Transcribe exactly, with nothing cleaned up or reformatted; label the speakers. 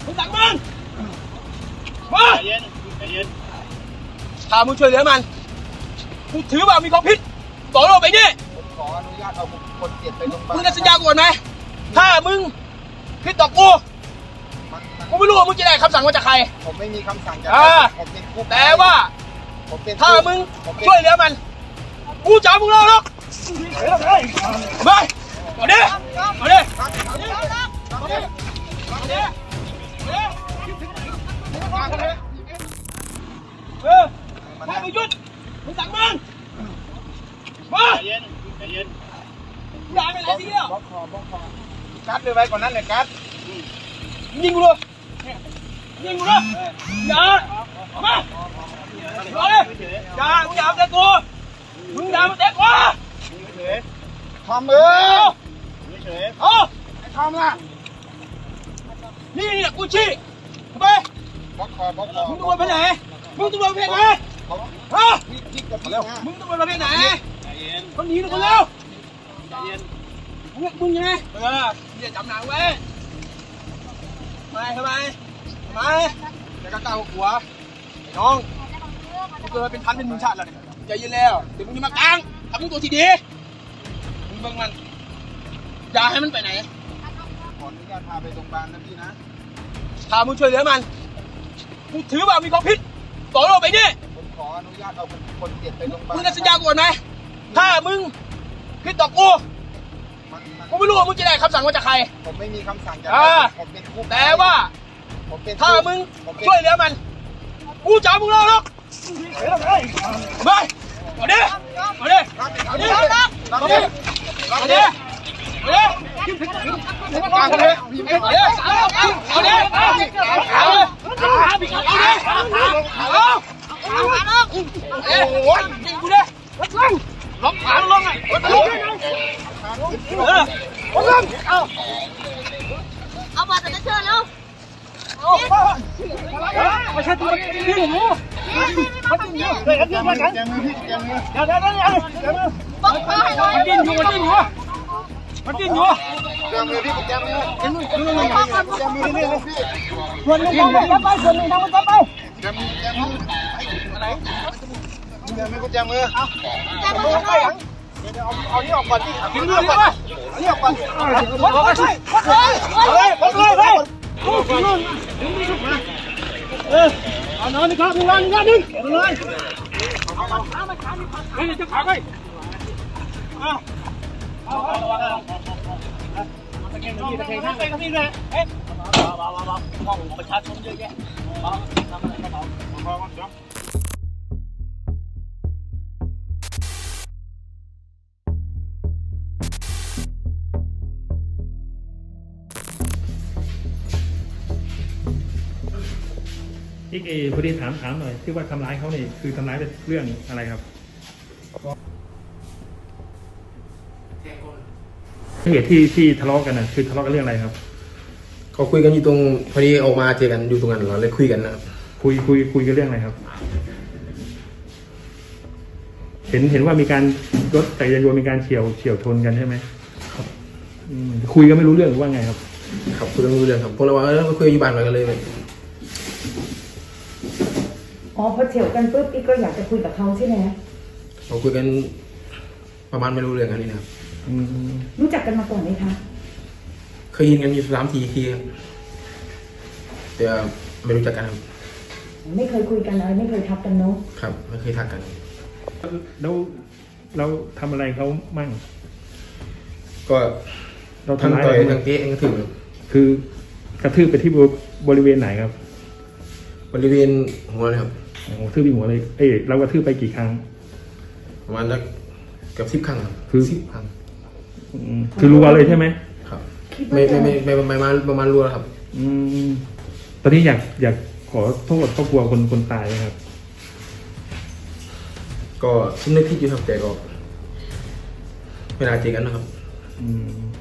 Speaker 1: มึงสั่งมึงมา
Speaker 2: ใจเย็นใจเย็น
Speaker 1: ถ้ามึงช่วยเหลือมันกูถือว่ามีความผิดต่อโลกไปนี่
Speaker 3: ผมขออนุญาตเอาคนเจ็บไปโรงพยาบาล
Speaker 1: มึงจะสัญญากูก่อนไหมถ้ามึงผิดต่อกู
Speaker 3: มันมัน
Speaker 1: กูไม่รู้ว่ามึงจะได้คำสั่งมาจากใคร
Speaker 3: ผมไม่มีคำสั่งจาก
Speaker 1: อ่า
Speaker 3: ผมเป็นผู้
Speaker 1: แต่ว่า
Speaker 3: ผมเป็น
Speaker 1: ถ้ามึง
Speaker 3: ผมเป็น
Speaker 1: ช่วยเหลือมันกูจะเอามึงเล่าหรอกไปมาดิมาดิมาดิมาดิมาดิเออถ้ามึงหยุดมึงสั่งมึงมา
Speaker 2: ใจเย็นใจเย็น
Speaker 1: อย่าไปไหนทีเดียว
Speaker 3: บล็อกคอบล็อกคอกัดเลยไว้ก่อนนั้นเลยกัด
Speaker 1: ยิงกูเลยยิงกูเลยอย่ามาอย่าเลยอย่ามึงอย่าเตะกูมึงอย่ามาเตะกู
Speaker 2: เฉย
Speaker 3: ทอมเอ้ย
Speaker 2: เฉย
Speaker 1: เอา
Speaker 3: ไอ้ทอมล่ะ
Speaker 1: นี่นี่กูชี้ไป
Speaker 3: บล็อกคอบล็อกคอ
Speaker 1: มึงตำรวจไปไหนมึงตำรวจประเภทไหนฮะ
Speaker 3: พี่พี่กับพี่นะ
Speaker 1: มึงตำรวจประเภทไหน
Speaker 2: ใจเย็น
Speaker 1: คนหนีหรือคนเร็ว
Speaker 2: ใจเย็น
Speaker 1: มึงมึงยังไงเอออย่าจำหนังไว้ทำไมทำไมทำไมจะกล้าหัวน้องกูเกิดเป็นพันเป็นหมื่นชาติแล้วเนี่ยใจเย็นแล้วเดี๋ยวมึงจะมากลางทำมึงตัวทีดีมึงเบิ่งมันอย่าให้มันไปไหน
Speaker 3: ขออนุญาตพาไปโรงพยาบาลนะพี่นะ
Speaker 1: ถ้ามึงช่วยเหลือมันกูถือว่ามีความผิดต่อโลกไปนี่
Speaker 3: ผมขออนุญาตเอาคนเจ็บไปโรงพยาบาล
Speaker 1: มึงจะสัญญากูก่อนไหมถ้ามึงผิดต่อกู
Speaker 3: มันมัน
Speaker 1: กูไม่รู้ว่ามึงจะได้คำสั่งมาจากใคร
Speaker 3: ผมไม่มีคำสั่งจาก
Speaker 1: อ่า
Speaker 3: ผมเป็นผู้
Speaker 1: แต่ว่า
Speaker 3: ผมเป็น
Speaker 1: ถ้ามึง
Speaker 3: ผมเป็น
Speaker 1: ช่วยเหลือมันกูจะเอามึงเล่าหรอกไปมาดิมาดิมาดิมาดิมาดิมาดิมาดิมาดิเอาดิเอาดิเอาดิเอาโอ้ยยิงกูดิล็อกขาลงไงล็อกเออลงเอา
Speaker 4: เอาบัตรจะเชิญแล้ว
Speaker 1: ไม่ใช่ตัวนี่หนูมันดิ้นอยู่เฮ้ยดิ้นมากัน
Speaker 3: แจมือพี่แจมือ
Speaker 1: เดี๋ยวเดี๋ยวเดี๋ยวเดี๋ยว
Speaker 4: บอกเขาให้หน่อย
Speaker 1: มันดิ้นอยู่มันดิ้นอยู่มันดิ้นอยู่
Speaker 3: แจมือพี่แจมือ
Speaker 1: เห็นไหม
Speaker 3: แจมือนี่เลยพี่
Speaker 1: ส่วนหนึ่งทำไปจับไปส่วนหนึ่งทำไปจับไป
Speaker 3: แจมือแจมืออะไรแจมือกูแจมือ
Speaker 4: จะมาทำไม
Speaker 3: เอาเอานี่ออกก่อนดิ
Speaker 1: กินเรื่องนี้ไป
Speaker 3: เอานี่ออกก่อน
Speaker 1: วัดเลยวัดเลยวัดเลยวัดเลยเออเอานอนนี่ครับนอนนี่ครับนึงเลยเฮ้ยจะขาไปเอาเอาเอาตะเกียงตะเกียงตะเกียงตะเกียงเลยเอ๊ะมองประชาชนเยอะแยะทำอะไรกระเป๋า
Speaker 5: อีกเอพอดีถามถามหน่อยที่ว่าทำร้ายเขาเนี่ยคือทำร้ายเป็นเรื่องอะไรครับเหตุที่ที่ทะเลาะกันนะคือทะเลาะกันเรื่องอะไรครับ
Speaker 6: เขาคุยกันอยู่ตรงพอดีออกมาเจอกันอยู่ตรงนั้นเราเลยคุยกันนะครับ
Speaker 5: คุยคุยคุยกันเรื่องอะไรครับ เห็นเห็นว่ามีการรถจักรยานยนต์มีการเฉียวเฉียวชนกันใช่ไหมครับอืมคุยกันไม่รู้เรื่องหรือว่าไงครับ
Speaker 6: ครับคุยกันไม่รู้เรื่องครับพวกเราว่าเออมาคุยกันอยู่บ้านหน่อยกันเลย
Speaker 7: อ๋อพอเฉียวกันปุ๊บอีกก็อยากจะคุยกับเขาใช่ไหม
Speaker 6: เราคุยกันประมาณไม่รู้เรื่องกันนี่นะครับ
Speaker 5: อืม
Speaker 7: รู้จักกันมาก่อนไหมคะ
Speaker 6: เคยยินกันอยู่สามทีทีครับแต่ไม่รู้จักกันครับ
Speaker 7: ไม่เคยคุยกันเลยไม่เคยทักกันเนาะ
Speaker 6: ครับไม่เคยทักกัน
Speaker 5: แล้วเราทำอะไรเขามั่ง
Speaker 6: ก็
Speaker 5: เรา
Speaker 6: ทั้ง
Speaker 5: ทำร้าย
Speaker 6: ต่อย
Speaker 5: อะไร
Speaker 6: ทั้งเตะทั้งกระทืบครับ
Speaker 5: คือกระทืบไปที่บริเวณไหนครับ
Speaker 6: บริเวณหัวเลยครับ
Speaker 5: โอ้โหทืบไปหัวเลย เอ้ยเรากระทืบไปกี่ครั้ง
Speaker 6: ประมาณสักเกือบสิบครั้งครับ
Speaker 5: คือ
Speaker 6: สิบครั้ง
Speaker 5: อืมคือรัวเลยใช่ไหม
Speaker 6: ครับไม่ไม่ไม่ไม่ไม่มาประมาณรัวครับ
Speaker 5: อืมตอนนี้อยากอยากขอโทษครอบครัวคนคนตายไหมครับ
Speaker 6: ก็สำนึกผิดอยู่ครับแต่ก็ไม่น่าเจอกันนะครับ
Speaker 5: อืม